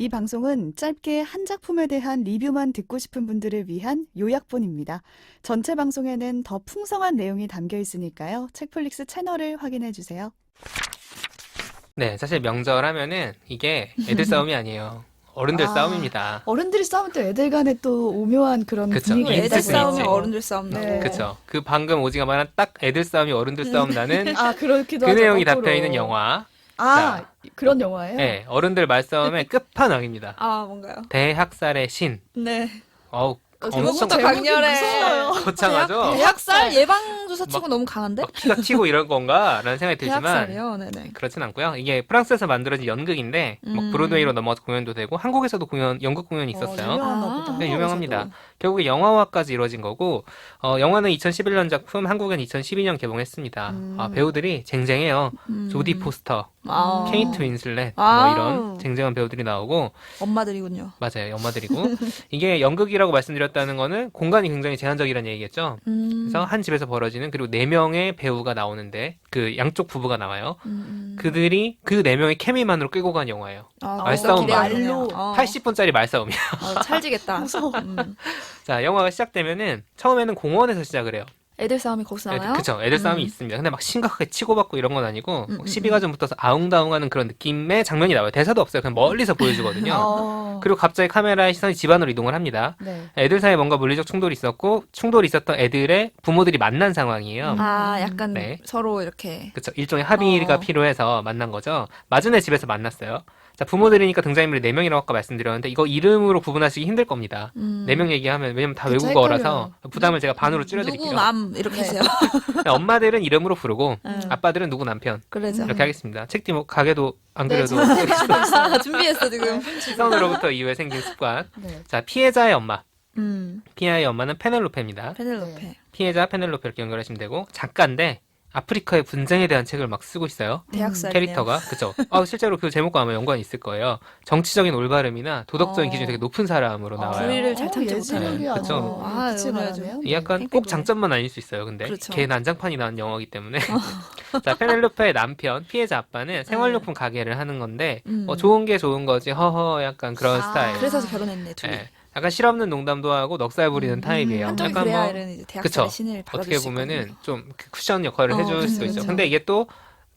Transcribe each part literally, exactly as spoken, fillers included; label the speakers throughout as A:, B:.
A: 이 방송은 짧게 한 작품에 대한 리뷰만 듣고 싶은 분들을 위한 요약본입니다. 전체 방송에는 더 풍성한 내용이 담겨 있으니까요. 책플릭스 채널을 확인해 주세요.
B: 네, 사실 명절 하면은 이게 애들 싸움이 아니에요. 어른들
A: 아,
B: 싸움입니다.
A: 어른들이 싸우면 또 애들 간에 또 오묘한 그런
B: 그쵸.
A: 분위기
B: 네,
C: 애들
B: 있을 수
C: 싸움이
B: 있지.
C: 어른들 싸움 나고.
A: 네.
B: 그쵸. 그 방금 오지가 말한 딱 애들 싸움이 어른들 싸움 나는
A: 아, 그렇기도
B: 그
A: 하죠.
B: 내용이
A: 거꾸로.
B: 담겨있는 영화.
A: 아, 그런 영화예요?
B: 네, 어른들 말싸움의 끝판왕입니다.
C: 아 뭔가요?
B: 대학살의 신.
C: 네.
B: 어우,
A: 어,
B: 엄청
C: 제목부터
A: 제목이
C: 강렬해.
A: 무서워요.
B: 거창하죠?
C: 대학살 예방주사 치고
B: 막-
C: 너무 강한데?
B: 막 피가 튀고 이런 건가? 라는 생각이 들지만
C: 대학살이요. 네네.
B: 그렇진 않고요. 이게 프랑스에서 만들어진 연극인데 뭐
C: 음.
B: 브로드웨이로 넘어가서 공연도 되고 한국에서도 공연, 연극 공연이
A: 어,
B: 있었어요.
A: 유명한가
C: 아.
A: 보다.
B: 네, 유명합니다.
A: 한국에서도.
B: 결국에 영화화까지 이루어진 거고 어, 영화는 이천십일 년 작품, 한국은 이천십이 년 개봉했습니다.
A: 음.
B: 아, 배우들이 쟁쟁해요.
C: 음.
B: 조디 포스터,
C: 아.
B: 케이트 윈슬렛
C: 아.
B: 뭐 이런 쟁쟁한 배우들이 나오고
C: 엄마들이군요.
B: 맞아요. 엄마들이고 이게 연극이라고 말씀드렸다는 거는 공간이 굉장히 제한적이라는 얘기겠죠.
C: 음.
B: 그래서 한 집에서 벌어지는 그리고 네 명의 배우가 나오는데 그 양쪽 부부가 나와요.
C: 음.
B: 그들이 그 네 명의 케미만으로 끌고 간 영화예요.
C: 아,
B: 말싸움
C: 기대가
A: 말로
C: 되네요. 어.
B: 팔십 분짜리 말싸움이야.
C: 어, 찰지겠다.
A: 무서워.
C: 음.
B: 자, 영화가 시작되면은 처음에는 공원에서 시작을 해요.
C: 애들 싸움이 거기서 나와요?
B: 애들, 그쵸. 애들 싸움이
C: 음.
B: 있습니다. 근데 막 심각하게 치고받고 이런 건 아니고
C: 음,
B: 막
C: 음,
B: 시비가 좀 붙어서 아웅다웅하는 그런 느낌의 장면이 나와요. 대사도 없어요. 그냥 멀리서 보여주거든요.
A: 어.
B: 그리고 갑자기 카메라의 시선이 집안으로 이동을 합니다.
A: 네.
B: 애들 사이에 뭔가 물리적 충돌이 있었고 충돌이 있었던 애들의 부모들이 만난 상황이에요.
A: 음.
C: 아 약간
B: 네.
C: 서로 이렇게.
B: 그쵸. 일종의 합의가
C: 어.
B: 필요해서 만난 거죠. 맞은 애 집에서 만났어요. 자, 부모들이니까 등장인물이 네 명이라고 아까 말씀드렸는데 이거 이름으로 구분하시기 힘들 겁니다.
C: 음.
B: 네 명 얘기하면 왜냐면 다
A: 그쵸,
B: 외국어라서
A: 헷갈려요.
B: 부담을 제가 반으로
C: 누구
B: 줄여드릴게요.
C: 남 이렇게
A: 네.
C: 해주세요.
B: 엄마들은 이름으로 부르고
C: 음.
B: 아빠들은 누구 남편
C: 그러죠.
B: 이렇게 하겠습니다. 책뒤 뭐 가게도 안
A: 네,
B: 그래도
C: 아, 준비했어 지금.
B: 시선으로부터 이후에 생긴 습관.
A: 네.
B: 자, 피해자의 엄마.
C: 음.
B: 피해자의 엄마는 페넬로페입니다.
C: 페넬로페.
B: 피해자 페넬로페 이렇게 연결하시면 되고 작가인데 아프리카의 분쟁에 대한 책을 막 쓰고 있어요.
C: 대학살이네요.
B: 캐릭터가 그쵸? 아, 실제로 그 제목과 아마 연관이 있을 거예요. 정치적인 올바름이나 도덕적인
C: 어.
B: 기준이 되게 높은 사람으로 나와요.
C: 불의를 잘 참지
A: 예지력이
B: 못하는.
A: 아주
B: 그쵸.
C: 아,
A: 빛을
C: 이거야죠.
A: 발하네요.
B: 이 약간
C: 네,
B: 꼭
C: 팽팽해.
B: 장점만 아닐 수 있어요. 근데
C: 그렇죠.
B: 걔 난장판이 나온 영화이기 때문에 자, 페넬로페의 남편 피해자 아빠는 생활용품 가게를 하는 건데
C: 음.
B: 어, 좋은 게 좋은 거지 허허 약간 그런
A: 아.
B: 스타일.
C: 그래서 결혼했네 둘이.
B: 예. 약간 실없는 농담도 하고 넉살 부리는
C: 음,
B: 타입이에요.
C: 한쪽이
B: 약간
C: 그래야
B: 뭐
C: 이런 이제
B: 그쵸.
C: 대학살의 신을 받아줄
B: 어떻게
C: 수
B: 보면은
C: 있거든요.
B: 좀그 쿠션 역할을
C: 어,
B: 해줄
C: 그쵸,
B: 수도 있죠.
C: 그쵸.
B: 근데 이게 또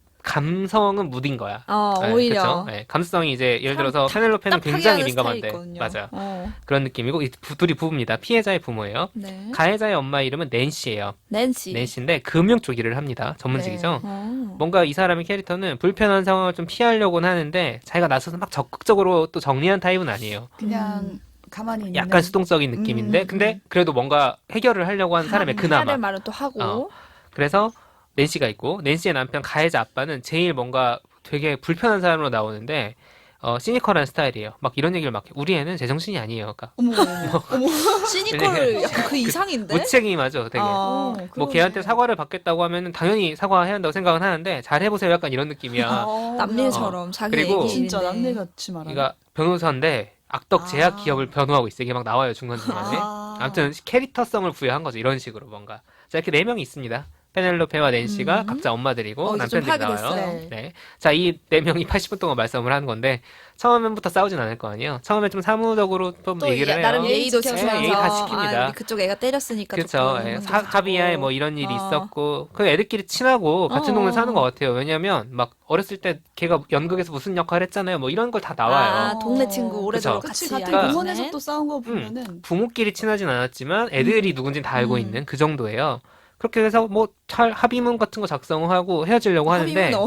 B: 감성은 무딘 거야.
C: 어,
B: 네,
C: 오히려.
B: 그쵸? 네, 감성이 이제 예를
C: 사람
B: 들어서
C: 딱-
B: 페넬로페는
C: 딱하게
B: 굉장히
C: 하는
B: 민감한데
C: 스타일이 있거든요.
B: 맞아요.
C: 어.
B: 그런 느낌이고 이 부- 둘이 부부입니다. 피해자의 부모예요.
C: 네.
B: 가해자의 엄마 이름은 낸시예요.
C: 낸시.
B: 낸시인데 금융 쪽 일을 합니다. 전문직이죠.
C: 어.
B: 뭔가 이 사람의 캐릭터는 불편한 상황을 좀 피하려고는 하는데 자기가 나서서 막 적극적으로 또 정리한 타입은 아니에요.
A: 그냥
C: 음.
A: 가만히 있는
B: 약간 수동적인 느낌인데
A: 음,
B: 근데
A: 음.
B: 그래도 뭔가 해결을 하려고 하는 사람의 그나마.
C: 하는 말은 또 하고.
B: 어. 그래서 낸시가 있고 낸시의 남편 가해자 아빠는 제일 뭔가 되게 불편한 사람으로 나오는데 어, 시니컬한 스타일이에요. 막 이런 얘기를 막 해. 우리 애는 제정신이 아니에요. 그러니까
A: 어머 어머 어머.
C: 시니컬 약간 그 이상인데.
B: 무책임하죠. 되게.
C: 어.
A: 어,
B: 뭐
A: 그러네.
B: 걔한테 사과를 받겠다고 하면은 당연히 사과해야 한다고 생각은 하는데 잘 해보세요. 약간 이런 느낌이야.
A: 어,
C: 남일처럼 자기
B: 그리고
C: 얘기
A: 진짜
C: 일인데.
A: 남일같이 말하네.
B: 그러니까 변호사인데 악덕 제약
A: 아.
B: 기업을 변호하고 있어. 이게 막 나와요 중간중간에.
A: 아.
B: 아무튼 캐릭터성을 부여한 거죠. 이런 식으로 뭔가. 자 이렇게 네 명이 있습니다. 페넬로페와 낸시가
C: 음.
B: 각자 엄마들이고
C: 어, 이제 좀
B: 남편들이
C: 파악이
B: 나와요.
C: 됐어요.
B: 네. 자, 이 네 명이 팔십 분 동안 말싸움을 하는 건데 처음부터 싸우진 않을 거 아니에요. 처음에 좀 사무적으로 좀
C: 또
B: 얘기를
C: 예-
B: 해요.
C: 나름
A: 예의
C: 예의도
A: 지켜서.
C: 지키면서
B: 예, 예의 다 지킵니다.
C: 아, 우리 그쪽 애가 때렸으니까
B: 그렇죠.
C: 조금
B: 예,
C: 좀
B: 사-
C: 하고.
B: 합의하에 뭐 이런 일이
C: 어.
B: 있었고 그 애들끼리 친하고 같은
C: 어.
B: 동네 사는 것 같아요. 왜냐면 막 어렸을 때 걔가 연극에서 무슨 역할 했잖아요. 뭐 이런 걸 다 나와요.
C: 아, 동네 친구 오래도록
B: 그쵸.
C: 같이
A: 그치 같은
B: 그러니까-
A: 공원에서 또 싸운 거 보면은
B: 부모끼리 친하진 않았지만 애들이 누군지 다 알고
C: 음.
B: 있는 그 정도예요. 그렇게 해서 뭐 잘 합의문 같은 거 작성하고 헤어지려고 하는데
C: 합의문, 어.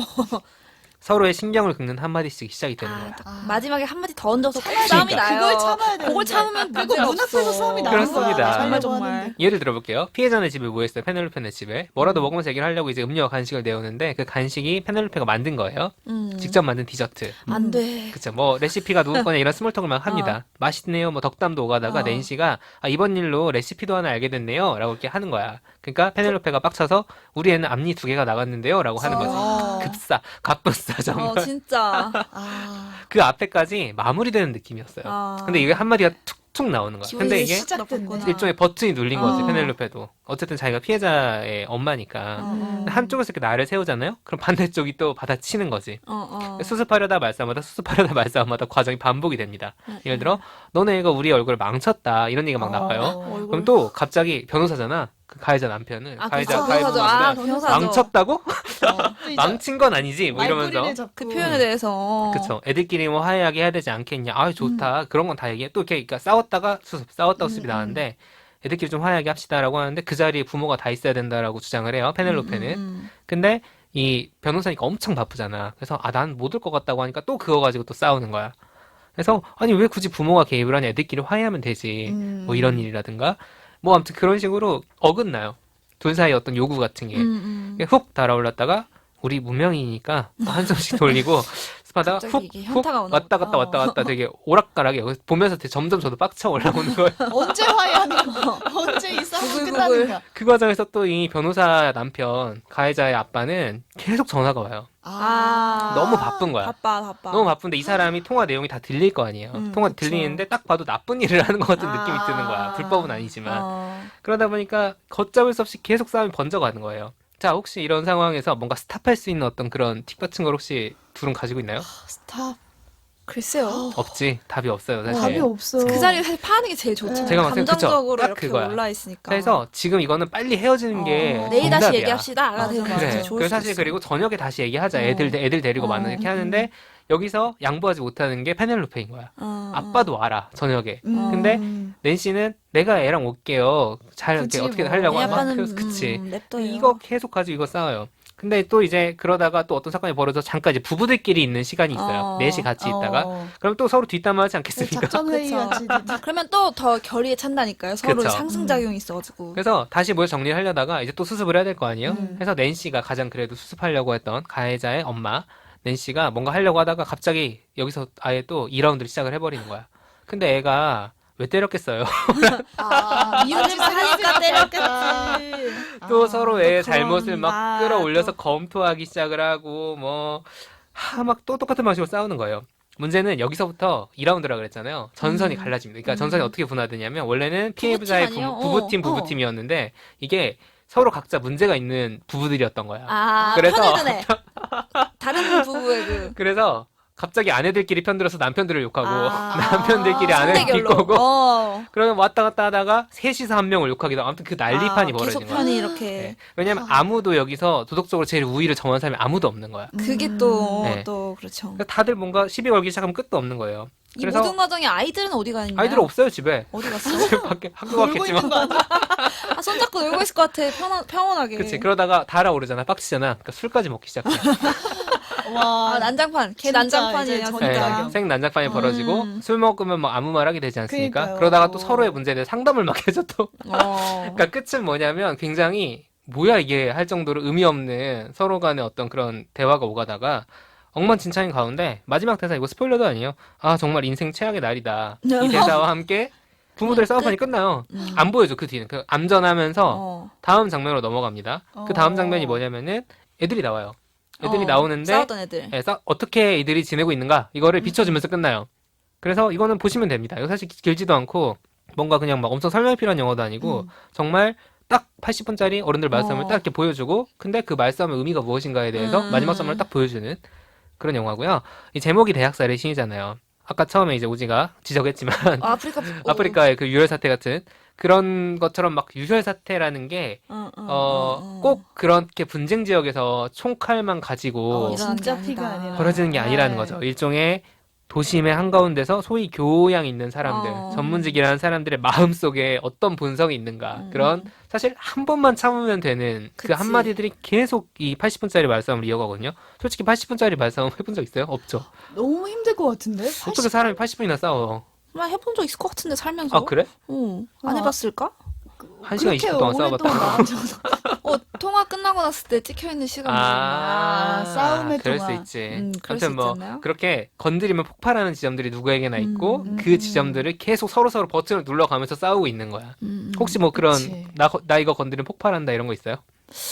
B: 서로의 신경을 긁는 한마디씩 시작이 되는
C: 아,
B: 거야.
A: 아.
C: 마지막에 한마디 더 얹어서
A: 참아야
C: 싸움이
A: 되니까.
C: 나요.
A: 그걸 참아야 되는데
C: 그걸 참으면
A: 그거
C: 문제가
A: 문 앞에서
C: 없어.
A: 싸움이 나는
B: 그렇습니다.
A: 거야.
C: 정말
A: 살려고
C: 정말.
A: 하는데.
B: 예를 들어볼게요. 피해자네 집에 모였어요. 페넬로페네 집에. 뭐라도 먹으면서 얘기를 하려고 이제 음료와 간식을 내오는데 그 간식이 페넬로페가 만든 거예요.
C: 음.
B: 직접 만든 디저트.
C: 안 돼.
B: 그쵸. 뭐 레시피가 누구 거냐 이런 스몰톡을 막 합니다. 맛있네요. 뭐 덕담도 오가다가
C: 어.
B: 낸시가 아, 이번 일로 레시피도 하나 알게 됐네요. 라고 이렇게 하는 거야. 그러니까 페넬로페가 빡쳐서 우리 애는 앞니 두 개가 나갔는데요. 라고 하는 거지.
A: 어.
B: 급사, 갑분싸 정말.
C: 어, 진짜.
A: 아.
B: 그 앞에까지 마무리되는 느낌이었어요.
C: 아.
B: 근데 이게 한마디가 툭 툭 나오는 거야.
C: 기분이
B: 근데 이게
A: 시작됐네.
B: 일종의 버튼이 눌린 거지,
C: 어.
B: 페넬로페도. 어쨌든 자기가 피해자의 엄마니까.
C: 어, 어.
B: 한쪽에서 이렇게 나를 세우잖아요? 그럼 반대쪽이 또 받아치는 거지.
C: 어, 어.
B: 수습하려다 말싸움하다 수습하려다 말싸움하다 과정이 반복이 됩니다.
C: 응,
B: 예를
C: 응.
B: 들어 너네 애가 우리 얼굴을 망쳤다 이런 얘기가 막 나와요.
C: 얼굴.
B: 그럼 또 갑자기 변호사잖아. 그 가해자 남편은
C: 아,
B: 가해자
C: 그쵸.
B: 가해자
C: 변호사죠. 아,
B: 남편은
C: 변호사죠.
B: 망쳤다고?
A: 또 이제
B: 망친 건 아니지 뭐
A: 말꼬리를
B: 이러면서
A: 잡고.
C: 그 표현에 대해서.
B: 그쵸. 애들끼리 뭐 화해하게 해야 되지 않겠냐. 아 좋다. 그런 건 다 얘기해. 또 이렇게 그러니까 싸웠다가 수습, 싸웠다가 수습이
C: 음,
B: 나왔는데 애들끼리 좀 화해하게 합시다라고 하는데 그 자리에 부모가 다 있어야 된다라고 주장을 해요. 페넬로페는.
C: 음, 음,
B: 근데 이 변호사니까 엄청 바쁘잖아. 그래서 아, 난 못 올 것 같다고 하니까 또 그거 가지고 또 싸우는 거야. 그래서 아니 왜 굳이 부모가 개입을 하냐. 애들끼리 화해하면 되지.
A: 음.
B: 뭐 이런 일이라든가. 뭐 아무튼 그런 식으로 어긋나요. 둘 사이 어떤 요구 같은 게.
C: 음, 음.
B: 훅 달아올랐다가 우리 무명이니까 한숨씩 돌리고 습하다가
C: 갑자기 이게
B: 훅, 훅
C: 현타가 오나
B: 왔다
C: 보다.
B: 갔다 왔다 갔다 되게 오락가락해요. 그래서 보면서 되게 점점 저도 빡쳐 올라오는 거예요.
A: 언제 화해하는 거? 언제 이 싸움
C: 구글구글.
A: 끝나는가?
B: 그 과정에서 또 이 변호사 남편, 가해자의 아빠는 계속 전화가 와요.
C: 아.
B: 너무 바쁜 거야.
C: 바빠, 바빠.
B: 너무 바쁜데 이 사람이 통화 내용이 다 들릴 거 아니에요.
C: 음,
B: 통화
C: 그쵸.
B: 들리는데 딱 봐도 나쁜 일을 하는 것 같은
C: 아.
B: 느낌이 드는 거야. 불법은 아니지만.
C: 어.
B: 그러다 보니까 걷잡을 수 없이 계속 싸움이 번져가는 거예요. 자, 혹시 이런 상황에서 뭔가 스탑할 수 있는 어떤 그런 팁 같은 걸 혹시 둘은 가지고 있나요?
A: 스탑.
C: 글쎄요.
B: 없지. 답이 없어요, 사실.
A: 답이 없어.
C: 그 자리를 사실 파는 게 제일 좋죠.
A: 네.
B: 제가 봤을 때 그쵸.
C: 감정적으로
B: 딱
C: 이렇게
B: 그거야.
C: 올라 있으니까.
B: 그래서 지금 이거는 빨리 헤어지는 게
A: 어.
C: 내일 다시
B: 정답이야.
C: 얘기합시다. 가
A: 맞아,
C: 되는 거
A: 맞아.
B: 그래.
C: 같아요. 좋을
B: 그래서
C: 수도
B: 사실
C: 있어.
B: 그리고 저녁에 다시 얘기하자.
A: 어.
B: 애들 애들 데리고
A: 어.
B: 만나 이렇게 하는데 여기서 양보하지 못하는 게 페넬로페인 거야.
C: 어,
B: 아빠도 와라 저녁에.
A: 음.
B: 근데 낸시는 내가 애랑 올게요. 잘 이렇게
A: 그치,
B: 어떻게
A: 뭐.
B: 하려고
C: 애
B: 하면
C: 아빠는
B: 그래서 그치.
C: 음, 냅둬요.
B: 이거 계속 가지고 이거 싸워요. 근데 또 이제 그러다가 또 어떤 사건이 벌어져 잠깐 이제 부부들끼리 있는 시간이 있어요.
C: 어.
B: 넷이 같이 있다가.
A: 어.
B: 그럼 또 서로 뒷담화하지 않겠습니까?
A: 작전 회의
C: 그쵸.
A: 같이.
C: 그러면 또 더 결의에 찬다니까요. 서로
B: 그쵸.
C: 상승작용이 있어가지고.
B: 그래서 다시 뭘 정리를 하려다가 이제 또 수습을 해야 될 거 아니에요?
A: 음.
B: 그래서 낸시가 가장 그래도 수습하려고 했던 가해자의 엄마 낸시가 뭔가 하려고 하다가 갑자기 여기서 아예 또 이 라운드를 시작을 해버리는 거야. 근데 애가 왜 때렸겠어요?
A: 아,
C: 미운 짓 하니까 때렸겠지.
B: 또
A: 아,
B: 서로 애의
C: 또 그런-
B: 잘못을 막
C: 아,
B: 끌어올려서
C: 또.
B: 검토하기 시작을 하고 뭐 하 막 또 똑같은 방식으로 싸우는 거예요. 문제는 여기서부터 이 라운드라 그랬잖아요. 전선이
C: 음.
B: 갈라집니다. 그러니까
C: 음.
B: 전선이 어떻게 분화되냐면 원래는 피해자의
C: 부부팀 아니에요?
B: 부부, 부부팀
C: 어, 어.
B: 부부팀이었는데 이게 서로 각자 문제가 있는 부부들이었던 거야.
C: 아,
B: 그래서-
C: 편을 드네. 다른 부부의 그.
B: 그래서 갑자기 아내들끼리 편들어서 남편들을 욕하고
C: 아.
B: 남편들끼리 아내를
C: 상대결로.
B: 비꼬고
C: 어.
B: 그러면 왔다 갔다 하다가 셋이서 한 명을 욕하기도 하고 아무튼 그 난리판이
C: 아,
B: 벌어진
C: 계속
B: 거야.
C: 편이 이렇게.
B: 네. 왜냐면 아무도 여기서 도덕적으로 제일 우위를 정한 사람이 아무도 없는 거야.
C: 그게 또,
B: 네.
C: 또, 그렇죠.
B: 그러니까 다들 뭔가 시비 걸기 시작하면 끝도 없는 거예요.
C: 이
B: 그래서
C: 모든 과정에 아이들은 어디 가있나요?
B: 아이들 없어요 집에.
C: 어디 갔어?
B: 밖에 학교
A: 놀고
B: 갔겠지만.
A: 있는 거 아니야?
C: 아, 손잡고 놀고 있을 것 같아. 편안, 평온하게.
B: 그치. 그러다가 달아오르잖아. 빡치잖아. 그러니까 술까지 먹기 시작해.
C: 아,
A: 와,
C: 난장판. 걔
A: 진짜
C: 난장판이에요,
A: 이제
C: 진짜.
B: 네,
A: 전이다.
B: 생 난장판이
C: 음.
B: 벌어지고 술 먹으면 뭐 아무 말 하게 되지 않습니까?
A: 그러니까요.
B: 그러다가 또 서로의 문제에 대해 상담을 막 해줘 또.
C: 어.
B: 그러니까 끝은 뭐냐면 굉장히 뭐야 이게 할 정도로 의미 없는 서로 간의 어떤 그런 대화가 오가다가 엉망진창인 가운데 마지막 대사 이거 스포일러도 아니에요. 아 정말 인생 최악의 날이다. 이 대사와 함께 부부들 싸움판이 끝나요.
C: 음.
B: 안 보여줘 그 뒤는. 그 암전하면서
C: 어.
B: 다음 장면으로 넘어갑니다. 그 다음
A: 어.
B: 장면이 뭐냐면은 애들이 나와요. 애들이
C: 어,
B: 나오는데
C: 싸웠던 애들.
B: 예, 싸- 어떻게 이들이 지내고 있는가 이거를
C: 음.
B: 비춰주면서 끝나요. 그래서 이거는 보시면 됩니다. 이거 사실 길지도 않고 뭔가 그냥 막 엄청 설명이 필요한 영화도 아니고
C: 음.
B: 정말 딱 팔십 분짜리 어른들 말싸움을
C: 어.
B: 딱 이렇게 보여주고 근데 그 말싸움의 의미가 무엇인가에 대해서
C: 음.
B: 마지막 싸움을 딱 보여주는 그런 영화고요. 이 제목이 대학살의 신이잖아요. 아까 처음에 이제 우지가 지적했지만
C: 어, 아프리카.
B: 아프리카의 그 유혈 사태 같은 그런 것처럼 막 유혈 사태라는 게
C: 어, 어,
B: 어,
C: 어, 어.
B: 꼭 그렇게 분쟁 지역에서 총칼만 가지고
C: 어, 일어나는
A: 진짜
C: 게
A: 피가
C: 아니다.
A: 아니라.
B: 벌어지는 게 아니라는
A: 네.
B: 거죠. 일종의 도심의 한가운데서 소위 교양 있는 사람들,
C: 어.
B: 전문직이라는 사람들의 마음속에 어떤 본성이 있는가.
C: 음.
B: 그런 사실 한 번만 참으면 되는 그
C: 그치.
B: 한마디들이 계속 이 팔십 분짜리 말싸움을 이어가거든요. 솔직히 팔십 분짜리 말싸움 해본 적 있어요? 없죠.
A: 너무 힘들 것 같은데?
B: 어떻게 사람이 팔십 분이나 싸워?
C: 정말 해본 적 있을 것 같은데 살면서.
B: 아 그래?
C: 어, 안
A: 아.
C: 해봤을까?
B: 한 시간 이십 분 동안 싸워봤다.
C: 어, 통화 끝나고 났을 때 찍혀있는 시간.
B: 아,
A: 아, 싸움의
B: 그럴
A: 동안.
B: 수 있지.
C: 음, 그럴 수
B: 아무튼 뭐
C: 있지 않나요?
B: 그렇게 건드리면 폭발하는 지점들이 누구에게나 있고
A: 음,
B: 그
A: 음.
B: 지점들을 계속 서로 서로 버튼을 눌러가면서 싸우고 있는 거야.
C: 음, 음.
B: 혹시 뭐 그런
A: 그치.
B: 나, 거- 나 이거 건드리면 폭발한다 이런 거 있어요?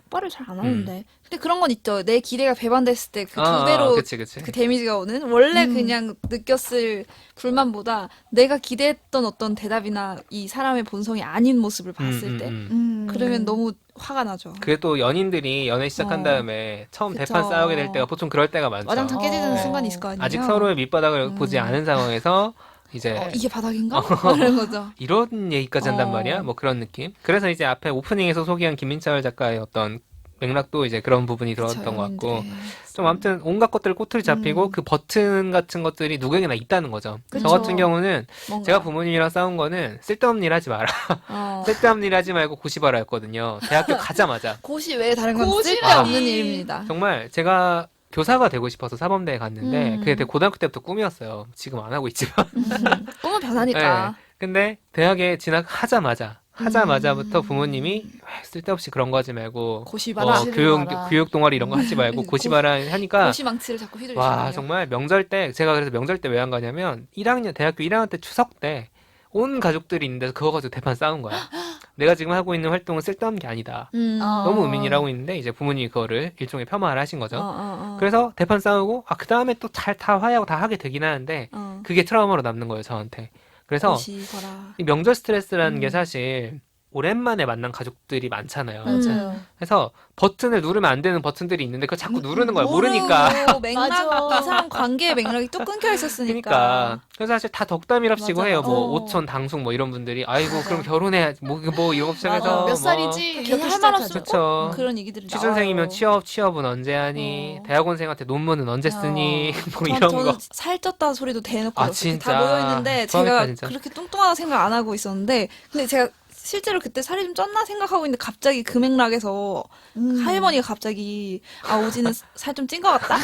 C: 똑바로 잘 안 하는데. 근데 그런 건 있죠. 내 기대가 배반됐을 때 그
B: 아,
C: 두 배로
B: 그치, 그치.
C: 그 데미지가 오는 원래
A: 음.
C: 그냥 느꼈을 불만보다 내가 기대했던 어떤 대답이나 이 사람의 본성이 아닌 모습을 봤을
B: 음,
C: 때
B: 음, 음.
A: 음.
C: 그러면 너무 화가 나죠.
B: 그게 또 연인들이 연애 시작한
C: 어.
B: 다음에 처음
C: 그쵸.
B: 대판 싸우게 될 때가 보통 그럴 때가 많죠.
C: 와장창 깨지는
A: 어.
C: 순간이 있을 거 아니에요.
B: 아직 서로의 밑바닥을
C: 음.
B: 보지 않은 상황에서 이제
C: 어, 이게 바닥인가? 이런 거죠.
B: 이런 얘기까지 한단
C: 어.
B: 말이야? 뭐 그런 느낌? 그래서 이제 앞에 오프닝에서 소개한 김민철 작가의 어떤 맥락도 이제 그런 부분이 들어왔던
C: 그쵸,
B: 것 같고
C: 연인들의.
B: 좀 아무튼 온갖 것들 꼬투리 잡히고
A: 음.
B: 그 버튼 같은 것들이 누구에게나 있다는 거죠.
C: 그쵸.
B: 저 같은 경우는
C: 뭔가.
B: 제가 부모님이랑 싸운 거는 쓸데없는 일 하지 마라.
C: 어.
B: 쓸데없는 일 하지 말고 고시바라 였거든요. 대학교 가자마자.
C: 고시 외에 다른 건
A: 고시
C: 쓸데없는
A: 아니.
C: 일입니다.
B: 정말 제가 교사가 되고 싶어서 사범대에 갔는데
C: 음.
B: 그게 되게 고등학교 때부터 꿈이었어요. 지금 안 하고 있지만.
C: 음. 꿈은 변하니까.
B: 근데 대학에 진학하자마자 하자마자부터
C: 음.
B: 부모님이 왜 쓸데없이 그런 거 하지 말고
C: 고시
B: 뭐
C: 봐라.
A: 고시를
B: 교육
A: 봐라.
B: 교육 동아리 이런 거 하지 말고
C: 고-
B: 고시바라 하니까
C: 고시 망치를 자꾸 휘두르시네요.
B: 와 정말 명절 때 제가 그래서 명절 때 왜 안 가냐면 일 학년 대학교 일 학년 때 추석 때 온 가족들이 있는데 그거 가지고 대판 싸운 거야. 내가 지금 하고 있는 활동은 쓸데없는 게 아니다.
C: 음.
A: 어.
B: 너무 의민이라고 하고 있는데 이제 부모님이 그거를 일종의 폄하를 하신 거죠.
C: 어, 어, 어.
B: 그래서 대판 싸우고 아 그 다음에 또 잘 다 화해하고 다 하게 되긴 하는데
C: 어.
B: 그게 트라우마로 남는 거예요 저한테. 그래서
C: 고시 봐라.
B: 이 명절 스트레스라는
C: 음.
B: 게 사실 오랜만에 만난 가족들이 많잖아요.
C: 음.
A: 맞아요.
B: 그래서 버튼을 누르면 안 되는 버튼들이 있는데 그걸 자꾸 누르는 거야.
C: 모르고
B: 모르니까.
C: 맥락
A: 맞아.
C: 이 사람 관계의 맥락이 또 끊겨 있었으니까.
B: 그러니까. 그래서 사실 다 덕담이랍시고
C: 맞아,
B: 해요.
C: 맞아.
B: 뭐
C: 어.
B: 오촌, 당숙 뭐 이런 분들이 아이고
C: 맞아.
B: 그럼 결혼해야지. 뭐, 뭐 이런 거 시작해서
A: 맞아. 몇
B: 뭐
A: 살이지?
C: 괜히
A: 이렇게
C: 할 말 없으면
A: 시작하죠.
B: 그쵸.
C: 꼭 그런 얘기들이
B: 취준생이면
C: 나와요.
B: 취업, 취업은 언제 하니?
C: 어.
B: 대학원생한테 논문은 언제 쓰니? 뭐
C: 전,
B: 이런
C: 저는
B: 거.
C: 살쪘다 소리도 대놓고
B: 아,
C: 이렇게
B: 진짜.
C: 다 모여 있는데
B: 부럽겠다,
C: 제가
B: 진짜.
C: 그렇게 뚱뚱하다 생각 안 하고 있었는데 근데 제가 실제로 그때 살이 좀 쪘나 생각하고 있는데 갑자기 그 맥락에서
A: 음.
C: 할머니가 갑자기 아 오지는 살 좀 찐 것 같다.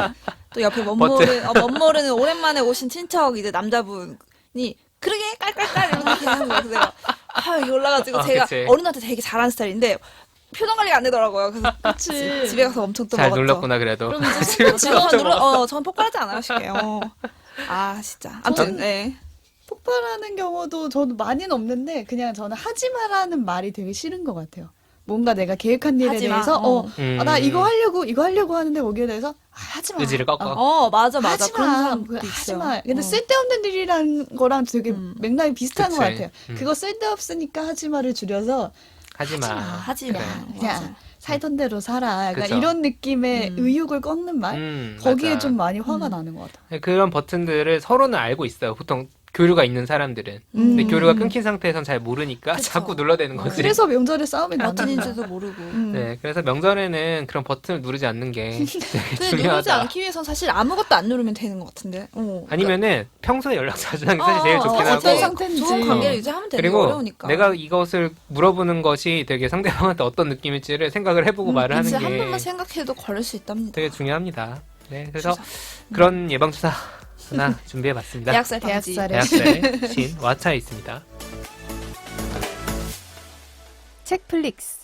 C: 또 옆에 멋모르 어, 멋모르는 오랜만에 오신 친척 이제 남자분이 그러게 깔깔깔 이렇게 하는 거예요. 그래서 내가 아 여기 올라가지고
B: 아,
C: 제가
B: 그치.
C: 어른한테 되게 잘하는 스타일인데 표정 관리가 안 되더라고요. 그래서
A: 그치.
C: 집에 가서 엄청 또
B: 잘
C: 먹었죠.
B: 눌렀구나 그래도.
A: 그럼 이제
B: 집에
C: 지금
B: 가서
C: 눌러 어 저는 폭발하지 않아요 쉽게. 어. 아 진짜. 아무튼
A: 저는-
C: 네.
A: 폭발하는 경우도 저도 많이는 없는데 그냥 저는 하지 마라는 말이 되게 싫은 것 같아요. 뭔가 내가 계획한 일에
C: 하지 마.
A: 대해서 어,
C: 어.
B: 음.
A: 아, 나 이거 하려고 이거 하려고 하는데 거기에 대해서 아, 하지 마.
B: 의지를 꺾어.
A: 어,
C: 어 맞아 맞아
A: 하지
C: 그런
A: 마.
C: 사람도
A: 그거 하지
C: 있어요.
A: 마. 근데
C: 어.
A: 쓸데없는 일이란 거랑 되게
C: 음.
A: 맥락이 비슷한
B: 그치.
A: 것 같아요.
B: 음.
A: 그거 쓸데없으니까 하지 마를 줄여서
B: 하지 마.
C: 하지 마.
B: 그래.
A: 그냥
C: 맞아.
A: 살던 대로 살아. 약간
B: 그쵸.
A: 이런 느낌의
C: 음.
A: 의욕을 꺾는 말?
B: 음,
A: 거기에
B: 맞아.
A: 좀 많이 화가
C: 음.
A: 나는 것 같아요.
B: 그런 버튼들을 서로는 알고 있어요. 보통 교류가 있는 사람들은.
A: 음.
B: 근데 교류가 끊긴 상태에선 잘 모르니까
C: 그쵸.
B: 자꾸 눌러대는 거지.
A: 그래서 명절에 싸움이 나는 거야.
C: 버튼인지도 모르고.
A: 음.
B: 네, 그래서 명절에는 그런 버튼을 누르지 않는 게 되게
C: 근데 누르지
B: 중요하다.
C: 않기 위해선 사실 아무것도 안 누르면 되는 것 같은데. 어.
B: 아니면은 평소에 연락 자주 하는 게 사실 제일
C: 어,
B: 좋긴
C: 어,
B: 하고.
A: 어떤 상태인지.
C: 좋은 관계를 유지하면 되게
B: 그리고
C: 어려우니까.
B: 내가 이것을 물어보는 것이 되게 상대방한테 어떤 느낌일지를 생각을 해보고
C: 음,
B: 말을 하는
C: 이제 한
B: 게
C: 번만 생각해도 걸릴 수 있답니다.
B: 되게 중요합니다. 네, 그래서
C: 주사.
B: 그런 예방주사 하나 준비해봤습니다.
C: 대학살 방지.
A: 대학살에.
B: 대학살 신 와차에 있습니다.
A: 책플릭스.